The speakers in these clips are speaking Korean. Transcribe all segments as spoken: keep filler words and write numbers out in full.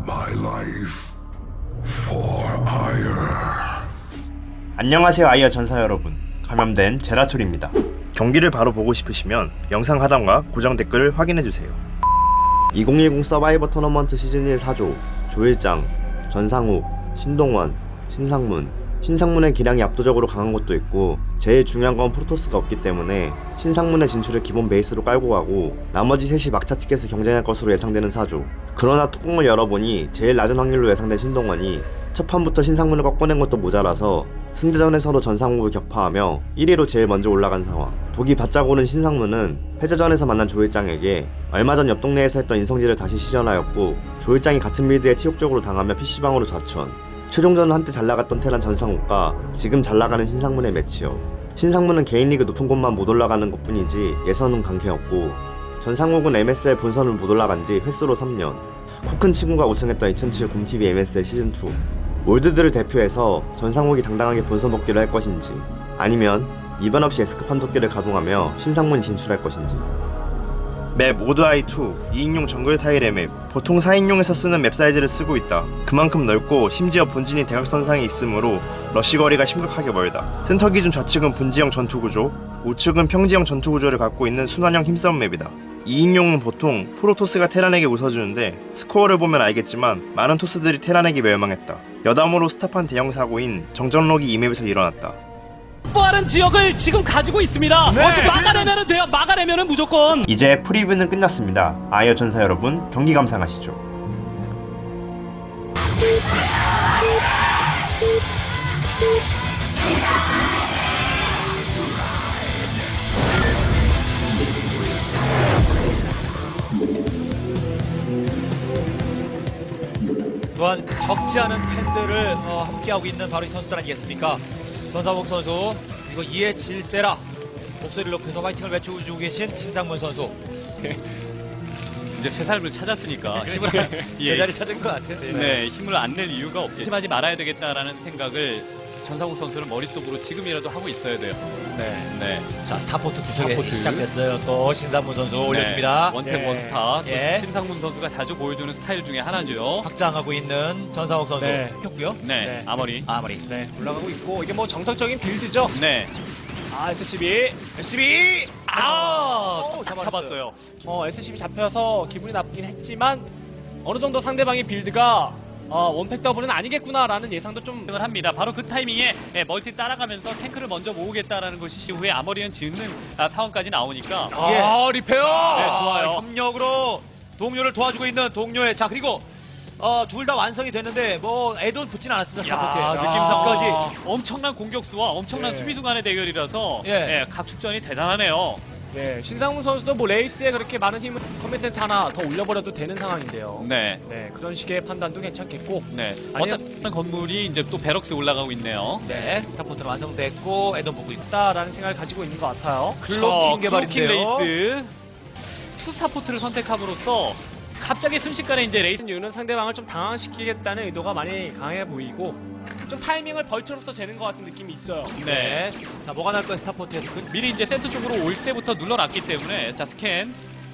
my life for ire. 안녕하세요 아이어 전사 여러분, 감염된 제라툴입니다. 경기를 바로 보고 싶으시면 영상 하단과 고정 댓글을 확인해주세요. 이천십 서바이버 토너먼트 시즌 일 사조 조일장, 전상욱, 신동원, 신상문. 신상문의 기량이 압도적으로 강한 것도 있고 제일 중요한 건 프로토스가 없기 때문에 신상문의 진출을 기본 베이스로 깔고 가고 나머지 셋이 막차 티켓을 경쟁할 것으로 예상되는 사조. 그러나 뚜껑을 열어보니 제일 낮은 확률로 예상된 신동원이 첫 판부터 신상문을 꺾어낸 것도 모자라서 승대전에서도 전상욱을 격파하며 일 위로 제일 먼저 올라간 상황. 독이 바짝 오른 신상문은 패자전에서 만난 조일장에게 얼마 전 옆 동네에서 했던 인성질을 다시 시전하였고 조일장이 같은 빌드에 치욕적으로 당하며 피씨방으로 좌천. 최종전은 한때 잘나갔던 테란 전상욱과 지금 잘나가는 신상문의 매치업. 신상문은 개인리그 높은 곳만 못 올라가는 것 뿐이지 예선은 강캐였고 전상욱은 엠에스엘 본선을 못 올라간지 횟수로 삼 년. 코 큰 친구가 우승했던 이천칠 곰티비 엠에스엘 시즌 투. 올드들을 대표해서 전상욱이 당당하게 본선 복귀를 할 것인지 아니면 이변 없이 S급 판독기를 가동하며 신상문이 진출할 것인지. 맵 오드아이 투 이 인용 정글 타일의 맵. 보통 사 인용에서 쓰는 맵 사이즈를 쓰고 있다. 그만큼 넓고 심지어 본진이 대각선상에 있으므로 러쉬 거리가 심각하게 멀다. 센터 기준 좌측은 분지형 전투구조, 우측은 평지형 전투구조를 갖고 있는 순환형 힘싸움 맵이다. 이 인용은 보통 프로토스가 테란에게 웃어주는데 스코어를 보면 알겠지만 많은 토스들이 테란에게 멸망했다. 여담으로 스탑한 대형 사고인 정전록이 이 맵에서 일어났다. 빠른 지역을 지금 가지고 있습니다. 네. 어떻게 막아내면은 돼요. 막아내면은 무조건. 이제 프리뷰는 끝났습니다. 아이어 전사 여러분, 경기 감상하시죠. 또한 적지 않은 팬들을 어, 함께하고 있는 바로 이 선수들 아니겠습니까? 전상욱 선수, 그리고 이에 질세라 목소리를 높여서 화이팅을 외쳐주고 계신 신상문 선수. 이제 새 삶을 찾았으니까 힘을 예, 제자리 찾은 것 같은데. 네, 힘을 안 낼 이유가 없겠죠. 하지 말아야 되겠다라는 생각을 전상욱 선수는 머릿속으로 지금이라도 하고 있어야 돼요. 네. 네. 자, 스타포트 구석에 스타포트. 시작됐어요. 또 신상문 선수 올려줍니다. 네, 원팩 예. 원스타. 또 예. 신상문 선수가 자주 보여주는 스타일 중에 하나죠. 확장하고 있는 전상욱 선수. 네. 했고요. 네, 네. 아머리. 아무리. 네, 올라가고 있고 이게 뭐 정석적인 빌드죠. 네. 아, 에스씨비. 에스비! 아, 오, 딱 잡았어요. 잡았어요. 어, 에스씨비 잡혀서 기분이 나쁘긴 했지만 어느 정도 상대방의 빌드가 어, 원팩 더블은 아니겠구나라는 예상도 좀 을 합니다. 바로 그 타이밍에 예, 멀티 따라가면서 탱크를 먼저 모으겠다라는 것이 이후에 아머리언 짓는 아, 상황까지 나오니까 아, 리페어. 네, 좋아요. 협력으로 동료를 도와주고 있는 동료의 자 그리고 어, 둘 다 완성이 됐는데 뭐 애돈 붙진 않았습니다. 야, 스타포트에. 느낌상까지 아. 엄청난 공격수와 엄청난 네. 수비수 간의 대결이라서 예. 예, 각축전이 대단하네요. 네, 신상문 선수도 뭐 레이스에 그렇게 많은 힘을 컴뱃 센터 하나 더 올려버려도 되는 상황인데요. 네. 네, 그런 식의 판단도 괜찮겠고. 네. 아니면- 어차피 건물이 이제 또 베럭스 올라가고 있네요. 네, 스타포트는 완성됐고 애돈 보고 있다. 라는 생각을 가지고 있는 것 같아요. 클로킹 개발인데요. 클로킹 레이스. 투스타포트를 선택함으로써 갑자기 순식간에 이제 레이스 이유는 상대방을 좀 당황시키겠다는 의도가 많이 강해 보이고 좀 타이밍을 벌처로부터 재는 것 같은 느낌이 있어요. 네. 네. 자, 뭐가 날 거야 스타포트에서 그, 미리 이제 센터 쪽으로 올 때부터 눌러놨기 때문에 자 스캔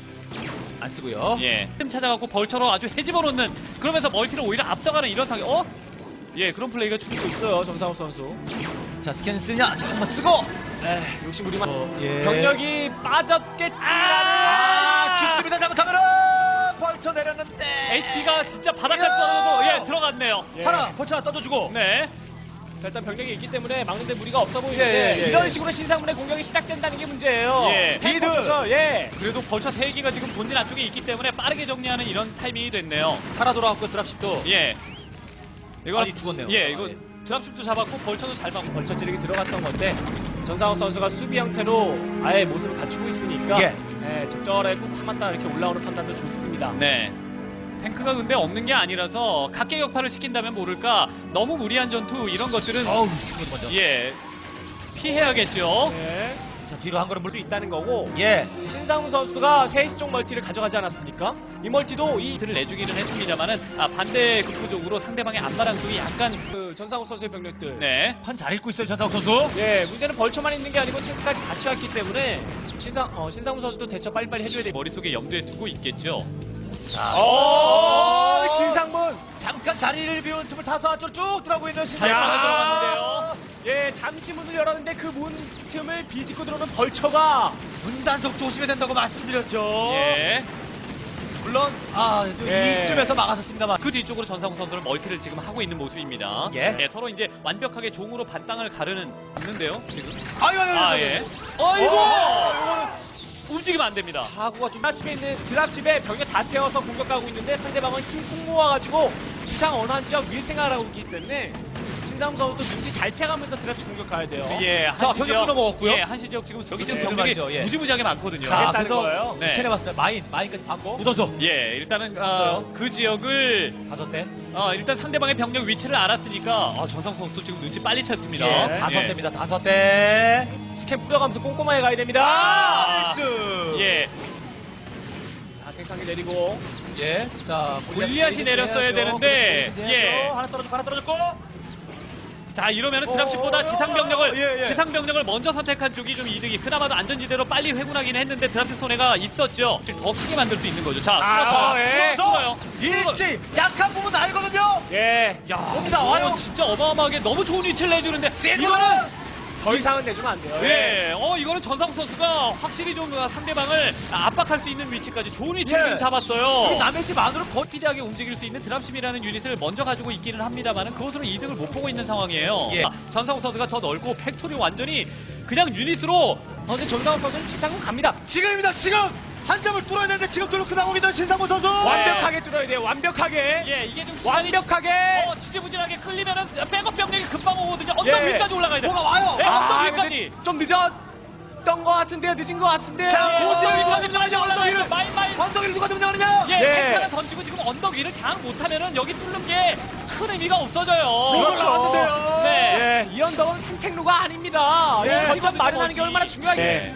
안 쓰고요. 예 틈 찾아갖고 벌처로 아주 헤집어 놓는 그러면서 멀티를 오히려 앞서가는 이런 상황. 어? 예 그런 플레이가 주 또 있어요, 정상욱 선수. 자, 스캔 쓰냐? 자, 한번 쓰고. 에이, 욕심 부리만. 어, 예. 병력이 빠졌겠지라는. 아, 죽습니다. 잘못하면은 벌쳐 내렸는데. 에이치피가 진짜 바닥까지 이야! 떨어져도 예 들어갔네요. 예. 하나 벌쳐 하나 떠줘주고. 네. 자, 일단 병력이 있기 때문에 막는데 무리가 없어 보이는데 예, 예, 예, 이런 예. 식으로 신상문의 공격이 시작된다는 게 문제예요. 예. 스피드! 스태퍼죠, 예. 그래도 벌처 세 개가 지금 본진 안쪽에 있기 때문에 빠르게 정리하는 이런 타이밍이 됐네요. 살아 돌아왔고 드랍십도. 예. 이거 아니, 죽었네요. 예 이거 아, 예. 드랍십도 잡았고 벌처도 잘 막고 벌처 찌르기 들어갔던 건데 전상욱 선수가 수비 형태로 아예 모습을 갖추고 있으니까 예. 예, 적절하게 꾹 참았다 이렇게 올라오는 판단도 좋습니다. 네. 탱크가 근데 없는 게 아니라서 각계격파를 시킨다면 모를까 너무 무리한 전투 이런 것들은 어우, 친구도 먼저. 예 피해야겠죠. 예. 자, 뒤로 한 걸음 물. 수 있다는 거고 예. 신상훈 선수가 세시 쪽 멀티를 가져가지 않았습니까? 이 멀티도 이 를 내주기는 했습니다만은 아, 반대 극부적으로 상대방의 앞마당 쪽이 약간 그 전상훈 선수의 병력들. 네 판 잘 읽고 있어요, 전상욱 선수. 예, 문제는 벌처만 있는 게 아니고 탱크까지 같이 왔기 때문에 신상 어, 신상훈 선수도 대처 빨리빨리 해줘야 돼. 머릿속에 염두에 두고 있겠죠. 어, 신상문 자리를 비운 틈을 타서 안쪽으로 쭉 들어가고 있는 신상. 야. 잘 들어갔는데요. 예, 잠시 문을 열었는데 그 문 틈을 비집고 들어오는 벌처가 문단속 조심해야 된다고 말씀드렸죠. 예. 물론 아 예. 이쯤에서 막아섰습니다만. 그 뒤쪽으로 전상우 선수는 멀티를 지금 하고 있는 모습입니다. 예. 서로 이제 완벽하게 종으로 반땅을 가르는 있는데요. 지금. 아유 아유 아 아유. 예. 아이고. 어이구. 움직이면 안 됩니다. 사고가 좀. 드랍십에 있는 드랍십에 벽에 다 태워서 공격하고 있는데 상대방은 힘 모아가지고 지상 어느 한쪽 밀 생각을 하고 있기 때문에 신상무 선수도 눈치 잘 채가면서 드랍십 공격해야 돼요. 예, 자, 한시 병력 지역 끊어먹었고요. 예, 한시 지역 지금 여기 지금 그렇죠. 병력이 말이죠, 예. 무지무지하게 많거든요. 자, 하겠다는 그래서 거예요. 네. 스캔해봤습니다. 마인, 마인까지 받고 우선수 예, 일단은 어, 그 지역을 다섯 대, 어, 일단 상대방의 병력 위치를 알았으니까 어, 전상 선수도 지금 눈치 빨리 챘습니다. 예, 다섯 대입니다. 다섯 대. 스캔 뿌려가면서 꼼꼼하게 가야 됩니다. 아, 믹스. 예, 자, 탱상이 내리고 예, 자 골리앗이 내렸어야 되는데, 예. 하나 떨어졌고 하나 떨어졌고. 자 이러면은 어, 드랍십보다 어, 지상 어, 병력을 예, 예. 지상 병력을 먼저 선택한 쪽이 좀 이득이 그나마도 안전지대로 빨리 회군하긴 했는데 드랍십 손해가 있었죠. 더 크게 만들 수 있는 거죠. 자, 아, 뚫어서 예. 뚫어요. 일찍 약한 부분 알거든요. 예, 야, 옵니다, 이거 와요. 진짜 어마어마하게 너무 좋은 위치를 내주는데 이거는 이거는 더 이상은 내주면 안 돼요. 예, 어 이거는 전상 선수가 확실히 좀 상대방을 압박할 수 있는 위치까지 좋은 위치를 예. 지금 잡았어요. 남의 집 안으로 거. 스피디하게 움직일 수 있는 드랍십이라는 유닛을 먼저 가지고 있기는 합니다만은 그것으로 이득을 못 보고 있는 상황이에요. 예. 아, 전상우 선수가 더 넓고 팩토리 완전히 그냥 유닛으로 어제 전상우 선수는 지상군 갑니다. 지금입니다. 지금 한 점을 뚫어야 되는데 지금 뚫고 나오고 있는 신상무 선수. 완벽하게 뚫어야 돼요. 완벽하게. 예 이게 좀 시간이 완벽하게. 어, 지지부진하게 끌리면은 백업 병력이 금방 오거든요. 언덕 예. 위까지 올라가야 돼. 뭐가 와요. 네, 언덕 아, 위까지. 근데 좀 늦었던 것 같은데요. 늦은 것 같은데요. 자, 예, 고지를 언덕 누가 위까지 점령하냐, 언덕 올라가야 위를. 돼. 마인 마인. 언덕을 누가 점령하느냐? 예, 예. 탱크 하나 던지고 지금 언덕 위를 장악 못하면은 여기 뚫는 게 큰 의미가 없어져요. 못 그렇죠. 올라갔는데요. 네. 예, 이 언덕은 산책로가 아닙니다. 예. 이 거점 마련하는 게 얼마나 중요하게. 네.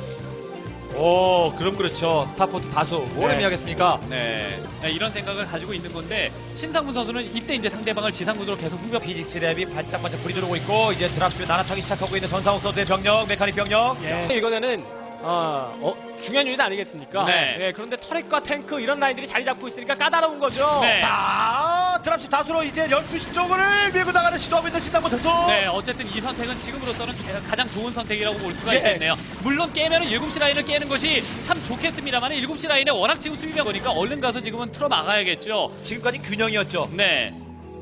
오, 그럼 그렇죠. 스타포트 다수 뭘 네. 의미하겠습니까? 네. 네, 이런 생각을 가지고 있는 건데 신상문 선수는 이때 이제 상대방을 지상군으로 계속 후벼 피직스 랩이 반짝반짝 불이 들어오고 있고 이제 드랍십에 나나타기 시작하고 있는 전상욱 선수의 병력, 메카닉 병력. 예. 이거는 어, 어, 중요한 유닛 아니겠습니까? 네. 예, 그런데 터렛과 탱크 이런 라인들이 자리 잡고 있으니까 까다로운 거죠. 네. 자, 드랍십 다수로 이제 열두 시 쪽을 밀고 나가는 시도하고 있는 신상무 선수. 네, 어쨌든 이 선택은 지금으로서는 개- 가장 좋은 선택이라고 볼 수가 예. 있겠네요. 물론 깨면은 일곱 시 라인을 깨는 것이 참 좋겠습니다만 일곱 시 라인에 워낙 지금 수비가 보니까 얼른 가서 지금은 틀어 막아야겠죠. 지금까지 균형이었죠. 네.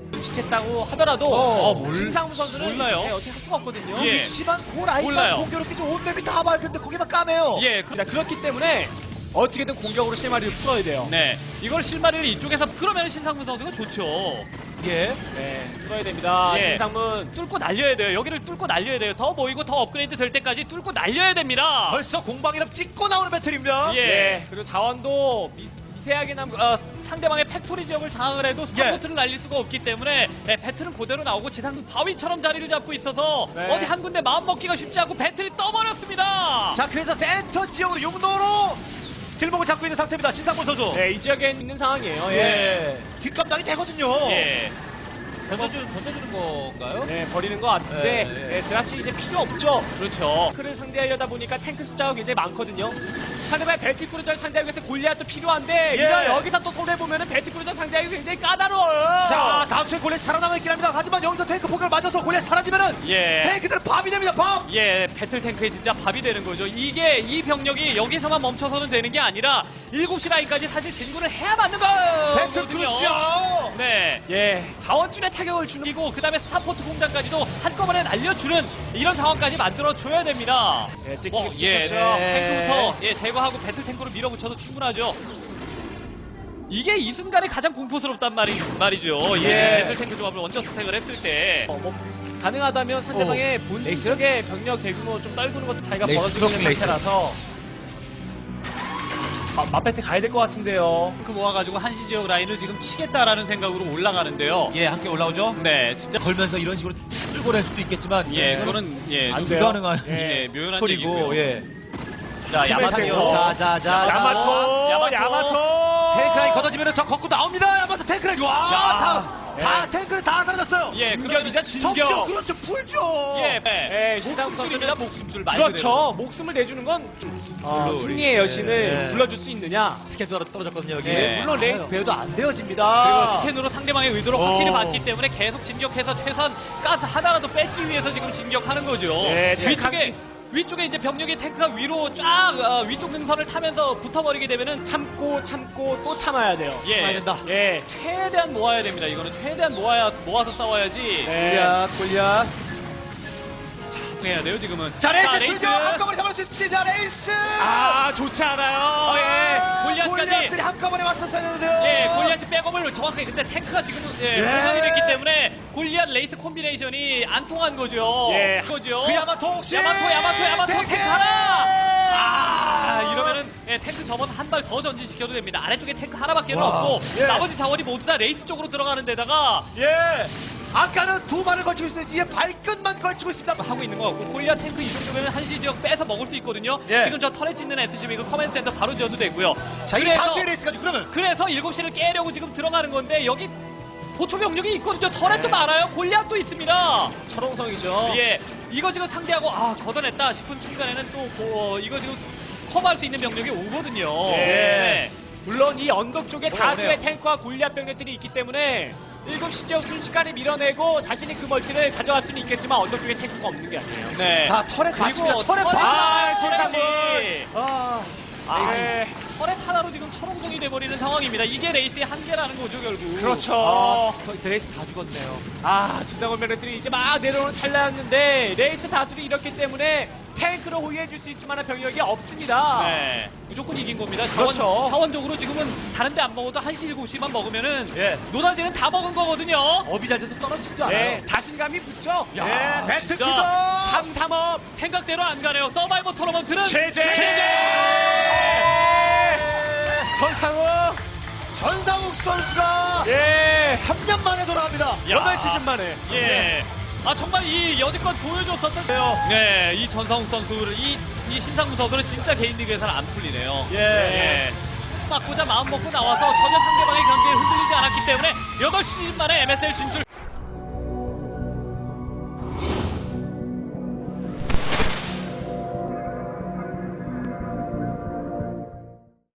눈치챘다고 하더라도 어, 몰- 신상무 선수는 몰라요. 예, 어떻게 할 수가 없거든요. 예. 위치만 그 라인만 몰라요. 공교롭게 좀 온 맵이 다 밝은데 거기만 까매요. 예, 그, 자, 그렇기 때문에 어떻게든 공격으로 실마리를 풀어야 돼요. 네. 이걸 실마리를 이쪽에서 그러면 신상문 선수가 좋죠. 예. 네, 풀어야 됩니다. 예. 신상문. 뚫고 날려야 돼요. 여기를 뚫고 날려야 돼요. 더 모이고 더 업그레이드 될 때까지 뚫고 날려야 됩니다. 벌써 공방이랍 찍고 나오는 배틀입니다. 예. 예, 그리고 자원도 미, 미세하게 남, 어, 상대방의 팩토리 지역을 장악을 해도 스타포트를 날릴 수가 없기 때문에 예, 배틀은 그대로 나오고 지상 바위처럼 자리를 잡고 있어서 네. 어디 한 군데 마음 먹기가 쉽지 않고 배틀이 떠버렸습니다. 자, 그래서 센터 지역으로 용도로 길목을 잡고 있는 상태입니다. 신상문 선수. 네, 이 지역에 있는 상황이에요. 예. 예. 뒷감당이 되거든요. 예. 던져주는, 던져주는 건가요? 네, 버리는 것 같은데 예, 예. 네, 드랍시 이제 필요 없죠. 그렇죠. 탱크를 상대하려다 보니까 탱크 숫자가 굉장히 많거든요. 상대방의 벨트크루저를 상대하기 위해서 골리앗도 필요한데 예. 이런 여기서 또 손해보면 벨트크루저 상대하기 굉장히 까다로워요. 자, 다수의 골렛 살아남아 있긴 합니다. 하지만 여기서 탱크 폭격을 맞아서 골렛 사라지면은 예. 탱크들은 밥이 됩니다. 밥. 예, 배틀 탱크에 진짜 밥이 되는 거죠. 이게 이 병력이 여기서만 멈춰서는 되는 게 아니라 일곱 시 라인까지 사실 진군을 해야 맞는 배틀 거거든요. 그렇죠. 네. 예, 자원줄에 타격을 주는 그리고 그다음에 스타포트 공장까지도 한꺼번에 날려주는 이런 상황까지 만들어 줘야 됩니다. 예, 찍히기 뭐, 예, 찍혔죠. 탱크부터 예, 제거하고 배틀 탱크로 밀어붙여도 충분하죠. 이게 이 순간에 가장 공포스럽단 말이 말이죠. 예, 예. 배틀 탱크 조합을 원저 스택을 했을 때. 어, 뭐 가능하다면 상대방의 오, 본진 레이스? 쪽에 병력 대규모 좀 떨구는 것도 차이가 레이스, 벌어지고 있는 레이스. 상태라서 아, 맞배트 가야 될 것 같은데요. 그 모아가지고 한시 지역 라인을 지금 치겠다라는 생각으로 올라가는데요. 예, 함께 올라오죠. 네, 진짜. 걸면서 이런 식으로 끌고 낼 수도 있겠지만 예, 이거는 그거는 예, 안 좀 돼요. 불가능한 예, 묘연한 스토리고 얘기고요. 예. 자, 야마토. 자, 자, 자, 자. 야마토, 야마토. 야마토. 탱크 라인 걷어지면은 저 걷고 나옵니다. 야마토 탱크를 와, 야. 다, 다 탱크를 다 사라졌어요. 예, 그러면서 적죠, 진격. 그렇죠, 풀죠. 예, 예, 신상훈 선수입니다. 목숨줄 말 그대로. 그렇죠. 목숨을 내주는 건 어, 물론 승리의 우리- 여신을 예. 불러줄 수 있느냐. 스캔도 떨어졌거든요, 여기. 예, 물론 레이스 배도 안 되어집니다. 그리고 스캔으로 상대방의 의도를 어. 확실히 봤기 때문에 계속 진격해서 최선 가스 하나라도 뺏기 위해서 지금 진격하는 거죠. 예, 위쪽에 위쪽에 이제 병력이 탱크가 위로 쫙 어, 위쪽 능선을 타면서 붙어버리게 되면은 참고 참고 또 참아야 돼요. 예, 참아야 된다. 예. 최대한 모아야 됩니다. 이거는 최대한 모아야 모아서 싸워야지. 네. 골리앗, 골리앗. 해야 돼요 지금은. 자, 레이스 레이스. 출격 한꺼번에 잡을 수 있을지. 자, 레이스. 아, 좋지 않아요. 예, 골리앗까지. 골리앗들이 한꺼번에 왔었어야 되는데요. 예, 골리앗이 백업을 정확하게 근데 탱크가 지금 예, 예. 회전이 됐기 때문에 골리앗 레이스 콤비네이션이 안 통한 거죠. 예. 거죠. 그 야마토 혹시. 야마토 야마토 야마토 탱크! 탱크 하나. 아, 이러면은 예, 탱크 접어서 한 발 더 전진시켜도 됩니다. 아래쪽에 탱크 하나밖에 와, 없고 예. 나머지 자원이 모두 다 레이스 쪽으로 들어가는 데다가 예. 아까는 두 발을 걸치고 있었는데 이제 발끝만 걸치고 있습니다. 하고 있는 것 같고 골리앗 탱크 이 정도면 한시 지역 빼서 먹을 수 있거든요. 예. 지금 저 터렛 짓는 에스지비 그 커맨드 센터 바로 지어도 되고요. 자, 이게 그래서- 다수의 레이스까지 그러면. 그래서 일곱 시를 깨려고 지금 들어가는 건데 여기 보초 병력이 있거든요. 터렛도 많아요. 골리앗도 있습니다. 철옹성이죠. 예, 이거 지금 상대하고 아 걷어냈다 싶은 순간에는 또 어, 이거 지금 커버할 수 있는 병력이 오거든요. 예. 네. 물론 이 언덕 쪽에 어, 다수의 네. 탱크와 골리앗 병력들이 있기 때문에 일곱 시 지역 순식간에 밀어내고 자신이 그 멀티를 가져갈 수는 있겠지만 언덕 쪽에 탱크가 없는 게 아니에요. 네. 자, 터렛 맞습니다. 그리고 터렛 터렛이 맞. 아, 터렛이 신상훈. 아. 아, 네. 터렛 하나로 지금 철옹성이 돼버리는 상황입니다. 이게 레이스의 한계라는 거죠 결국. 그렇죠. 아, 저 레이스 다 죽었네요. 아, 지상원 병력들이 이제 막 내려오는 찰나였는데 레이스 다수를 잃었기 때문에 탱크를 호위해줄 수 있을 만한 병력이 없습니다. 네, 무조건 이긴 겁니다. 자원, 그렇죠. 자원적으로 지금은 다른 데 안 먹어도 한시 일곱 시만 먹으면은 예. 노다지는 다 먹은 거거든요. 업이 잘 돼서 떨어지지도 않아요. 네, 자신감이 붙죠. 야, 예, 배트 진짜 큐더. 삼삼업 생각대로 안 가네요. 서바이벌 토너먼트는 제재! 제재! 전상우. 전상욱 선수가 예. 삼 년 만에 돌아갑니다. 야. 여덟 시즌 만에. 예. 아 정말 이 여지껏 보여줬었던 네, 이 전상욱 선수를 이, 이 신상무 선수는 진짜 개인 리그에서는 안 풀리네요. 예. 예. 맞고자 마음 먹고 나와서 전혀 상대방의 경기에 흔들리지 않았기 때문에 여덟 시즌 만에 엠에스엘 진출.